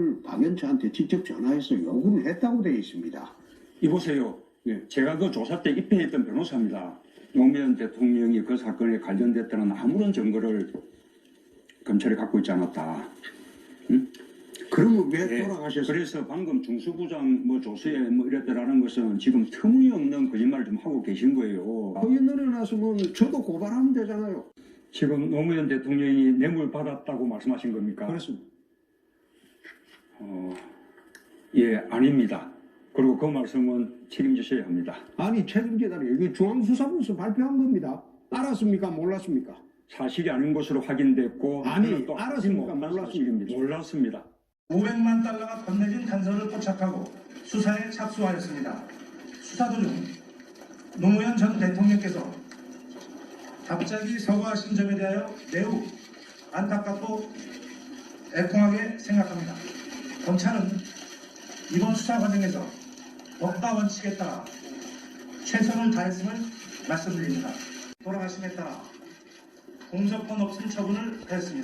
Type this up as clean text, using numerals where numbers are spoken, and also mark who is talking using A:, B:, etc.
A: 그걸 박연차한테 직접 전화해서 요구를 했다고 되어 있습니다.
B: 이보세요.
A: 예.
B: 제가 그 조사 때 입회했던 변호사입니다. 노무현 대통령이 그 사건에 관련됐다는 아무런 증거를 검찰이 갖고 있지 않았다.
A: 그러면 왜
B: 예.
A: 돌아가셨어요?
B: 그래서 방금 중수부장 뭐 조서에 뭐 이랬다라는 것은 지금 터무니없는 거짓말을 좀 하고 계신 거예요.
A: 허위 늘어났으면 저도 고발하면 되잖아요.
B: 지금 노무현 대통령이 뇌물 받았다고 말씀하신 겁니까?
A: 그렇습니다.
B: 예, 아닙니다. 그리고 그 말씀은 책임지셔야 합니다.
A: 아니 책임지다니 이게 중앙수사부에서 발표한 겁니다. 알았습니까? 몰랐습니까?
B: 사실이 아닌 것으로 확인됐고
A: 아니,
B: 또
A: 알았습니까?
B: 못한
A: 몰랐습니까?
B: 사실입니다. 몰랐습니다.
C: 500만 달러가 건네진 단서를 포착하고 수사에 착수하였습니다. 수사 도중 노무현 전 대통령께서 갑자기 서거하신 점에 대하여 매우 안타깝고 애통하게 생각합니다. 검찰은 이번 수사 과정에서 법과 원칙에 따라 최선을 다했음을 말씀드립니다. 돌아가심에 따라 공소권 없음 처분을 하였습니다.